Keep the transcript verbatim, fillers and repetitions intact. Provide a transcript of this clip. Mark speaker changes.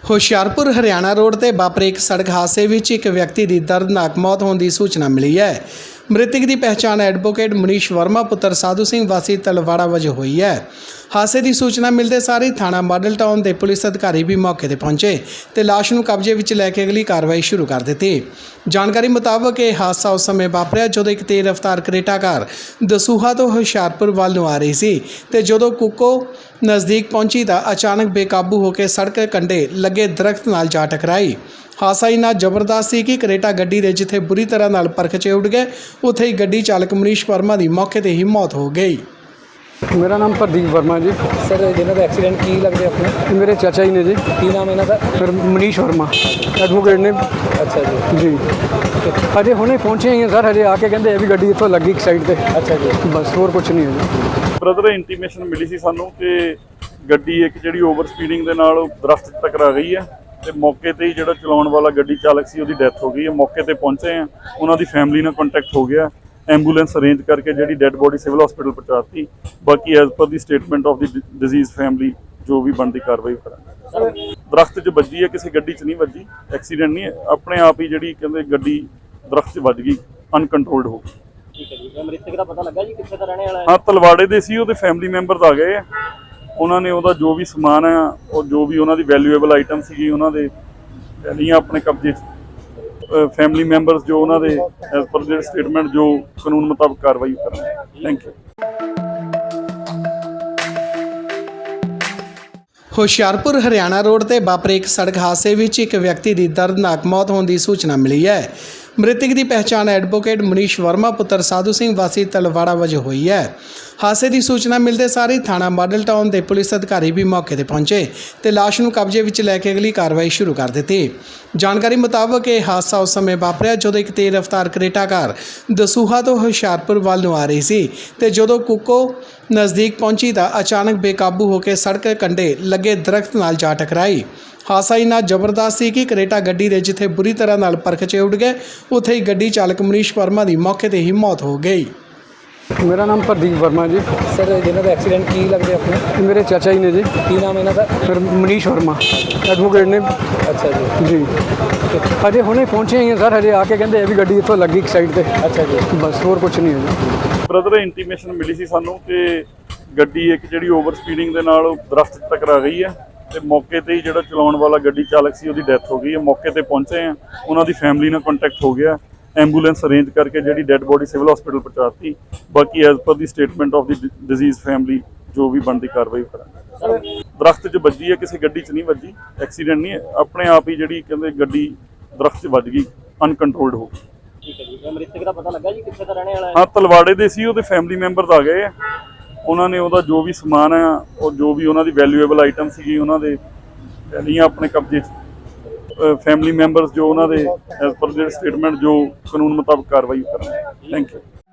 Speaker 1: Hoshiarpur Haryana road ਤੇ ਵਾਪਰੇ ਇੱਕ ਸੜਕ ਹਾਦਸੇ ਵਿੱਚ ਇੱਕ ਵਿਅਕਤੀ ਦੀ ਦਰਦਨਾਕ ਮੌਤ ਹੋਣ ਦੀ ਸੂਚਨਾ ਮਿਲੀ ਹੈ। ਮ੍ਰਿਤਕ ਦੀ ਪਹਿਚਾਣ ਐਡਵੋਕੇਟ ਮਨੀਸ਼ ਵਰਮਾ ਪੁੱਤਰ ਸਾਧੂ ਸਿੰਘ ਵਾਸੀ ਤਲਵਾੜਾ ਵਜੋਂ ਹੋਈ ਹੈ। ਹਾਦਸੇ ਦੀ ਸੂਚਨਾ ਮਿਲਦੇ ਸਾਰ ਹੀ ਥਾਣਾ ਮਾਡਲ ਟਾਊਨ ਦੇ ਪੁਲਿਸ ਅਧਿਕਾਰੀ ਵੀ ਮੌਕੇ ਤੇ ਪਹੁੰਚੇ ਤੇ ਲਾਸ਼ ਨੂੰ ਕਬਜ਼ੇ ਵਿੱਚ ਲੈ ਕੇ ਅਗਲੀ ਕਾਰਵਾਈ ਸ਼ੁਰੂ ਕਰ ਦਿੱਤੀ। ਜਾਣਕਾਰੀ ਮੁਤਾਬਕ ਇਹ ਹਾਦਸਾ ਉਸ ਸਮੇਂ ਵਾਪਰਿਆ ਜਦੋਂ ਇੱਕ ਤੇਜ਼ ਰਫ਼ਤਾਰ ਕਰੇਟਾ ਕਾਰ ਦਸੂਹਾ ਤੋਂ ਹੁਸ਼ਿਆਰਪੁਰ ਵੱਲ ਨੂੰ ਆ ਰਹੀ ਸੀ ਤੇ ਜਦੋਂ ਕੁੱਕੋ ਨਜ਼ਦੀਕ ਪਹੁੰਚੀ ਤਾਂ ਅਚਾਨਕ ਬੇਕਾਬੂ ਹੋ ਕੇ ਸੜਕ ਕੰਢੇ ਲੱਗੇ ਦਰਖਤ ਨਾਲ ਜਾ ਟਕਰਾਈ। ਹਾਦਸਾ ਇੰਨਾ ਜ਼ਬਰਦਸਤ ਸੀ ਕਿ ਕਰੇਟਾ ਗੱਡੀ ਦੇ ਜਿੱਥੇ ਬੁਰੀ ਤਰ੍ਹਾਂ ਨਾਲ ਪਰਖਚੇ ਉੱਡ ਗਏ, ਉੱਥੇ ਹੀ ਗੱਡੀ ਚਾਲਕ ਮਨੀਸ਼ ਵਰਮਾ ਦੀ ਮੌਕੇ ਤੇ ਹੀ ਮੌਤ ਹੋ ਗਈ।
Speaker 2: मेरा नाम प्रदीप वर्मा जी।
Speaker 3: सर जिन्हों का एक्सीडेंट की लगते अपने
Speaker 2: मेरे चाचा जी ने जी।
Speaker 3: की नाम इन्हों का?
Speaker 2: फिर मनीष वर्मा एडवोकेट ने।
Speaker 3: अच्छा जी
Speaker 2: जी अजे हुणे पहुँचे ही हैं सर, हजे आके कहते ये भी गड्डी इत्थों लगी एक साइड पे।
Speaker 3: अच्छा जी
Speaker 2: बस होर कुछ नहीं है जी।
Speaker 4: ब्रदर इंटीमेशन मिली सी सानू कि गड्डी एक जिहड़ी ओवर स्पीडिंग दे नाल दरख्त टकरा गई है ते मौके ते ही जिहड़ा चलाउण वाला गड्डी चालक सी उहदी डैथ हो गई है। मौके ते पहुंचे हैं, उन्हां दी फैमिली नाल कॉन्टैक्ट हो गया, एंबूलेंस अरेंज करके जी डेड बॉडी सिविल हॉस्पिटल पहुँचाती। बाकी as per the statement of the deceased family जो भी बनती कार्रवाई करांगे। दरख्त च वजी है, किसी गड्डी च नहीं वजी, एक्सीडेंट नहीं है, अपने आप ही जी कहते गड्डी दरख्त च वज गई, अनकंट्रोल्ड हो गई।
Speaker 3: ठीक है जी। मृतक दा पता लगा जी कित्थे दा रहने वाला है?
Speaker 4: हाँ तलवाड़े दे सी, उहदे फैमिली मैंबर्स आ गए हैं, उन्होंने उहदा जो भी समान है और जो भी उन्होंने वैल्यूएबल आइटम सी उन्होंने लिया अपने कब्जे च। फैमिली मैंबर्स जो उन्होंने एज पर देयर स्टेटमेंट जो कानून मुताबिक कार्रवाई करेंगे। Thank you.
Speaker 1: Hoshiarpur Haryana road ਤੇ ਵਾਪਰੇ ਇੱਕ ਸੜਕ ਹਾਦਸੇ ਵਿੱਚ ਇੱਕ ਵਿਅਕਤੀ ਦੀ ਦਰਦਨਾਕ ਮੌਤ ਹੋਣ ਦੀ ਸੂਚਨਾ ਮਿਲੀ ਹੈ। ਮ੍ਰਿਤਕ ਦੀ ਪਹਿਚਾਣ ਐਡਵੋਕੇਟ ਮਨੀਸ਼ ਵਰਮਾ ਪੁੱਤਰ ਸਾਧੂ ਸਿੰਘ ਵਾਸੀ ਤਲਵਾੜਾ ਵਜੋਂ ਹੋਈ ਹੈ। ਹਾਦਸੇ ਦੀ ਸੂਚਨਾ ਮਿਲਦੇ ਸਾਰ ਹੀ ਥਾਣਾ ਮਾਡਲ ਟਾਊਨ ਦੇ ਪੁਲਿਸ ਅਧਿਕਾਰੀ ਵੀ ਮੌਕੇ ਤੇ ਪਹੁੰਚੇ ਤੇ ਲਾਸ਼ ਨੂੰ ਕਬਜ਼ੇ ਵਿੱਚ ਲੈ ਕੇ ਅਗਲੀ ਕਾਰਵਾਈ ਸ਼ੁਰੂ ਕਰ ਦਿੱਤੀ। ਜਾਣਕਾਰੀ ਮੁਤਾਬਕ ਇਹ ਹਾਦਸਾ ਉਸ ਸਮੇਂ ਵਾਪਰਿਆ ਜਦੋਂ ਇੱਕ ਤੇਜ਼ ਰਫ਼ਤਾਰ ਕਰੇਟਾ ਕਾਰ ਦਸੂਹਾ ਤੋਂ ਹੁਸ਼ਿਆਰਪੁਰ ਵੱਲ ਨੂੰ ਆ ਰਹੀ ਸੀ ਤੇ ਜਦੋਂ ਕੁੱਕੋ ਨਜ਼ਦੀਕ ਪਹੁੰਚੀ ਤਾਂ ਅਚਾਨਕ ਬੇਕਾਬੂ ਹੋ ਕੇ ਸੜਕ ਕੰਢੇ ਲੱਗੇ ਦਰਖਤ ਨਾਲ ਜਾ ਟਕਰਾਈ। ਹਾਦਸਾ ਇੰਨਾ ਜ਼ਬਰਦਸਤ ਸੀ ਕਿ ਕਰੇਟਾ ਗੱਡੀ ਦੇ ਜਿੱਥੇ ਬੁਰੀ ਤਰ੍ਹਾਂ ਨਾਲ ਪਰਖਚੇ ਉੱਡ ਗਏ, ਉੱਥੇ ਹੀ ਗੱਡੀ ਚਾਲਕ ਮਨੀਸ਼ ਵਰਮਾ ਦੀ ਮੌਕੇ ਤੇ ਹੀ ਮੌਤ ਹੋ ਗਈ।
Speaker 2: मेरा नाम प्रदीप वर्मा जी।
Speaker 3: सर जिन्हों का एक्सीडेंट की लगते अपने
Speaker 2: मेरे चाचा जी ने जी।
Speaker 3: की नाम इन्हों का?
Speaker 2: फिर मनीष वर्मा एडवोकेट ने।
Speaker 3: अच्छा जी
Speaker 2: जी अजे हुणे पहुँचे ही हैं सर, हजे आके कहते ये भी गड्डी इत्थों लगी एक साइड पे।
Speaker 3: अच्छा जी
Speaker 2: बस होर कुछ नहीं है जी।
Speaker 4: ब्रदर इंटीमेशन मिली सी सानू कि गड्डी एक जिहड़ी ओवर स्पीडिंग दे नाल दरख्त च टकरा गई है ते मौके ते ही जिहड़ा चलाउण वाला गड्डी चालक सी उहदी डैथ हो गई है। मौके ते पहुंचे हैं, उन्हां दी फैमिली नाल कॉन्टैक्ट हो गया, एंबूलेंस अरेंज करके जी डेड बॉडी सिविल हॉस्पिटल पहुँचाती। बाकी as per the statement of the deceased family जो भी बनती कार्रवाई करांगे। दरख्त च वजी है, किसी गड्डी च नहीं वजी, एक्सीडेंट नहीं है, अपने आप ही जी कहते गड्डी दरख्त च वज गई, अनकंट्रोल्ड हो गई।
Speaker 3: ठीक है जी। मृतक दा पता लगा जी कित्थे दा रहने वाला है?
Speaker 4: हाँ तलवाड़े दे सी, उहदे फैमिली मैंबर्स आ गए हैं, उन्होंने उहदा जो भी समान है और जो भी उन्होंने वैल्यूएबल आइटम सी उन्होंने लिया अपने कब्जे च। फैमिली मैंबर्स जो उन्होंने एज पर देयर स्टेटमेंट जो कानून मुताबिक कार्रवाई करेंगे। Thank you.